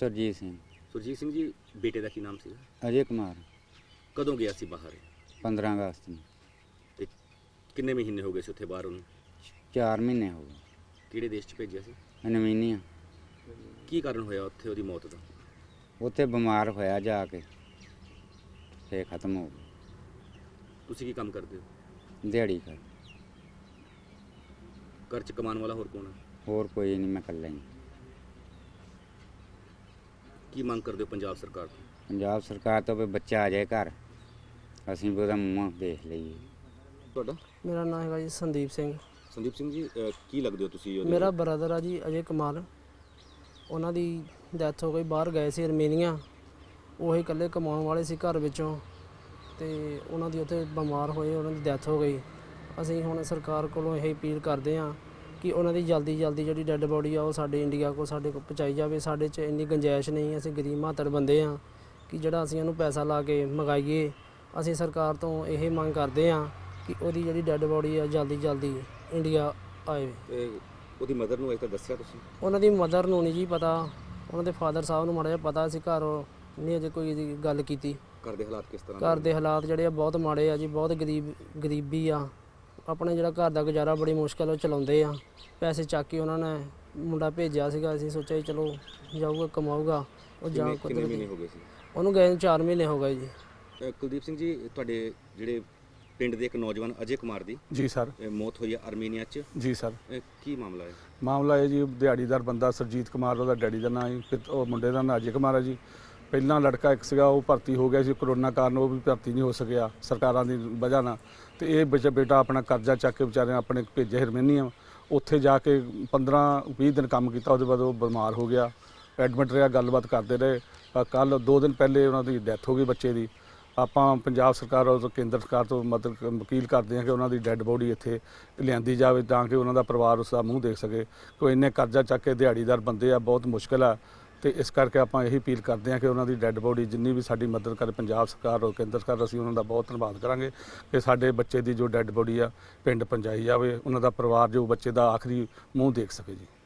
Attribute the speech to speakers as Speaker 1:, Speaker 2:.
Speaker 1: ਸੁਰਜੀਤ ਸਿੰਘ।
Speaker 2: ਸੁਰਜੀਤ ਸਿੰਘ ਜੀ, ਬੇਟੇ ਦਾ ਕੀ ਨਾਮ ਸੀ?
Speaker 1: ਅਜੇ ਕੁਮਾਰ।
Speaker 2: ਕਦੋਂ ਗਿਆ ਸੀ ਬਾਹਰ?
Speaker 1: 15 ਅਗਸਤ ਨੂੰ।
Speaker 2: ਤੇ ਕਿੰਨੇ ਮਹੀਨੇ ਹੋ ਗਏ ਸੀ ਉੱਥੇ ਬਾਹਰ ਉਹਨੂੰ?
Speaker 1: 4 ਮਹੀਨੇ ਹੋ ਗਏ।
Speaker 2: ਕਿਹੜੇ ਦੇਸ਼ 'ਚ ਭੇਜਿਆ ਸੀ?
Speaker 1: ਨਵੀਨੀਆ।
Speaker 2: ਕੀ ਕਾਰਨ ਹੋਇਆ ਉੱਥੇ ਉਹਦੀ ਮੌਤ ਦਾ?
Speaker 1: ਉੱਥੇ ਬਿਮਾਰ ਹੋਇਆ ਜਾ ਕੇ, ਫੇਰ ਖਤਮ ਹੋ ਗਿਆ।
Speaker 2: ਤੁਸੀਂ ਕੀ ਕੰਮ ਕਰਦੇ ਹੋ?
Speaker 1: ਦਿਹਾੜੀ ਕਰ।
Speaker 2: ਘਰ 'ਚ ਕਮਾਉਣ ਵਾਲਾ ਹੋਰ ਕੌਣ ਹੈ?
Speaker 1: ਹੋਰ ਕੋਈ ਨਹੀਂ, ਮੈਂ ਇਕੱਲਾ ਹੀ।
Speaker 2: ਕੀ ਮੰਗ ਕਰਦੇ ਹੋ ਪੰਜਾਬ ਸਰਕਾਰ ਤੋਂ?
Speaker 1: ਪੰਜਾਬ ਸਰਕਾਰ ਤੋਂ ਵੀ ਬੱਚਾ ਆ ਜਾਏ ਘਰ, ਅਸੀਂ ਵੀ ਉਹਦਾ ਮੂੰਹ ਦੇਖ ਲਈਏ।
Speaker 2: ਤੁਹਾਡਾ?
Speaker 3: ਮੇਰਾ ਨਾਮ ਹੈਗਾ ਜੀ ਸੰਦੀਪ ਸਿੰਘ।
Speaker 2: ਸੰਦੀਪ ਸਿੰਘ ਜੀ, ਕੀ ਲੱਗਦੇ ਹੋ ਤੁਸੀਂ?
Speaker 3: ਮੇਰਾ ਬ੍ਰਦਰ ਆ ਜੀ ਅਜੇ ਕੁਮਾਰ। ਉਹਨਾਂ ਦੀ ਡੈਥ ਹੋ ਗਈ, ਬਾਹਰ ਗਏ ਸੀ ਅਰਮੀਨੀਆ। ਉਹ ਇਕੱਲੇ ਕਮਾਉਣ ਵਾਲੇ ਸੀ ਘਰ ਵਿੱਚੋਂ, ਤੇ ਉਹਨਾਂ ਦੀ ਉੱਥੇ ਬਿਮਾਰ ਹੋਏ, ਉਹਨਾਂ ਦੀ ਡੈਥ ਹੋ ਗਈ। ਅਸੀਂ ਹੁਣ ਸਰਕਾਰ ਕੋਲੋਂ ਇਹ ਅਪੀਲ ਕਰਦੇ ਹਾਂ ਕਿ ਉਹਨਾਂ ਦੀ ਜਲਦੀ ਜਿਹੜੀ ਡੈੱਡ ਬੋਡੀ ਆ ਉਹ ਸਾਡੇ ਇੰਡੀਆ ਕੋਲ ਸਾਡੇ ਕੋਲ ਪਹੁੰਚਾਈ ਜਾਵੇ। ਸਾਡੇ 'ਚ ਇੰਨੀ ਗੁੰਜਾਇਸ਼ ਨਹੀਂ, ਅਸੀਂ ਗਰੀਬ ਮਾਤੜ ਬੰਦੇ ਹਾਂ ਕਿ ਜਿਹੜਾ ਅਸੀਂ ਉਹਨੂੰ ਪੈਸਾ ਲਾ ਕੇ ਮੰਗਾਈਏ। ਅਸੀਂ ਸਰਕਾਰ ਤੋਂ ਇਹ ਮੰਗ ਕਰਦੇ ਹਾਂ ਕਿ ਉਹਦੀ ਜਿਹੜੀ ਡੈੱਡ ਬੋਡੀ ਆ ਜਲਦੀ ਇੰਡੀਆ ਆਏ।
Speaker 2: ਤੇ ਉਹਦੀ ਮਦਰ ਨੂੰ ਅਜੇ ਤੱਕ ਦੱਸਿਆ ਤੁਸੀਂ?
Speaker 3: ਉਹਨਾਂ ਦੀ ਮਦਰ ਨੂੰ ਨਹੀਂ ਜੀ ਪਤਾ, ਉਹਨਾਂ ਦੇ ਫਾਦਰ ਸਾਹਿਬ ਨੂੰ ਮਾੜਾ ਜਿਹਾ ਪਤਾ ਸੀ, ਘਰ ਨਹੀਂ ਅਜੇ ਕੋਈ ਇਹਦੀ ਗੱਲ ਕੀਤੀ।
Speaker 2: ਘਰ ਦੇ ਹਾਲਾਤ ਕਿਸ ਤਰ੍ਹਾਂ?
Speaker 3: ਘਰ ਦੇ ਹਾਲਾਤ ਜਿਹੜੇ ਆ ਬਹੁਤ ਮਾੜੇ ਆ ਜੀ, ਬਹੁਤ ਗਰੀਬੀ ਆ। ਆਪਣੇ ਜਿਹੜਾ ਘਰ ਦਾ ਗੁਜ਼ਾਰਾ ਬੜੀ ਮੁਸ਼ਕਿਲ ਉਹ ਚਲਾਉਂਦੇ ਆ। ਪੈਸੇ ਚੱਕ ਕੇ ਉਹਨਾਂ ਨੇ ਮੁੰਡਾ ਭੇਜਿਆ ਸੀਗਾ, ਅਸੀਂ ਸੋਚਿਆ ਜੀ ਚਲੋ ਜਾਊਗਾ ਕਮਾਊਗਾ। ਉਹ ਜਾ
Speaker 2: ਕਿੰਨੇ ਮਹੀਨੇ ਹੋ ਗਏ ਸੀ
Speaker 3: ਉਹਨੂੰ ਗਏ ਨੂੰ? 4 ਮਹੀਨੇ ਹੋ ਗਏ ਜੀ।
Speaker 2: ਕੁਲਦੀਪ ਸਿੰਘ ਜੀ, ਤੁਹਾਡੇ ਜਿਹੜੇ ਪਿੰਡ ਦੇ ਇੱਕ ਨੌਜਵਾਨ ਅਜੇ ਕੁਮਾਰ ਦੀ
Speaker 4: ਜੀ ਸਰ
Speaker 2: ਮੌਤ ਹੋਈ ਹੈ ਅਰਮੀਨੀਆ 'ਚ।
Speaker 4: ਜੀ ਸਰ।
Speaker 2: ਕੀ ਮਾਮਲਾ ਹੈ?
Speaker 4: ਮਾਮਲਾ ਇਹ ਜੀ, ਦਿਹਾੜੀਦਾਰ ਬੰਦਾ ਸਰਜੀਤ ਕੁਮਾਰ, ਉਹਦਾ ਡੈਡੀ ਦਾ ਨਾਂ ਜੀ, ਫਿਰ ਉਹ ਮੁੰਡੇ ਦਾ ਨਾਂ ਅਜੇ ਕੁਮਾਰ ਹੈ ਜੀ। ਪਹਿਲਾਂ ਲੜਕਾ ਇੱਕ ਸੀਗਾ, ਉਹ ਭਰਤੀ ਹੋ ਗਿਆ ਸੀ, ਕਰੋਨਾ ਕਾਰਨ ਉਹ ਵੀ ਭਰਤੀ ਨਹੀਂ ਹੋ ਸਕਿਆ ਸਰਕਾਰਾਂ ਦੀ ਵਜ੍ਹਾ ਨਾਲ। ਤੇ ਇਹ ਬੇਟਾ ਆਪਣਾ ਕਰਜ਼ਾ ਚੱਕ ਕੇ ਵਿਚਾਰੇ ਆਪਣੇ ਭੇਜੇ ਹਰਮੀਨੀਆ। ਉੱਥੇ ਜਾ ਕੇ 15-20 ਦਿਨ ਕੰਮ ਕੀਤਾ, ਉਹਦੇ ਬਾਅਦ ਉਹ ਬਿਮਾਰ ਹੋ ਗਿਆ, ਐਡਮਿਟ ਰਿਹਾ। ਗੱਲਬਾਤ ਕਰਦੇ ਰਹੇ। ਕੱਲ੍ਹ 2 ਦਿਨ ਪਹਿਲੇ ਉਹਨਾਂ ਦੀ ਡੈਥ ਹੋ ਗਈ ਬੱਚੇ ਦੀ। ਆਪਾਂ ਪੰਜਾਬ ਸਰਕਾਰ ਔਰ ਕੇਂਦਰ ਸਰਕਾਰ ਤੋਂ ਮਦਦ ਅਪੀਲ ਕਰਦੇ ਹਾਂ ਕਿ ਉਹਨਾਂ ਦੀ ਡੈੱਡ ਬੋਡੀ ਇੱਥੇ ਲਿਆਂਦੀ ਜਾਵੇ, ਤਾਂ ਕਿ ਉਹਨਾਂ ਦਾ ਪਰਿਵਾਰ ਉਸ ਦਾ ਮੂੰਹ ਦੇਖ ਸਕੇ। ਕੋਈ ਇੰਨੇ ਕਰਜ਼ਾ ਚੱਕ ਕੇ ਦਿਹਾੜੀਦਾਰ ਬੰਦੇ ਆ, ਬਹੁਤ ਮੁਸ਼ਕਿਲ ਆ। ਤੇ ਇਸ ਕਰਕੇ ਆਪਾਂ ਇਹੀ ਅਪੀਲ ਕਰਦੇ ਹਾਂ ਕਿ ਉਹਨਾਂ ਦੀ ਡੈੱਡ ਬੋਡੀ ਜਿੰਨੀ ਵੀ ਸਾਡੀ ਮਦਦ ਕਰੇ ਪੰਜਾਬ ਸਰਕਾਰ ਔਰ ਕੇਂਦਰ ਸਰਕਾਰ, ਅਸੀਂ ਉਹਨਾਂ ਦਾ ਬਹੁਤ ਧੰਨਵਾਦ ਕਰਾਂਗੇ ਕਿ ਸਾਡੇ ਬੱਚੇ ਦੀ ਜੋ ਡੈੱਡ ਬੋਡੀ ਆ ਪਿੰਡ ਪਹੁੰਚਾਈ ਜਾਵੇ, ਉਹਨਾਂ ਦਾ ਪਰਿਵਾਰ ਜੋ ਬੱਚੇ ਦਾ ਆਖਰੀ ਮੂੰਹ ਦੇਖ ਸਕੇ ਜੀ।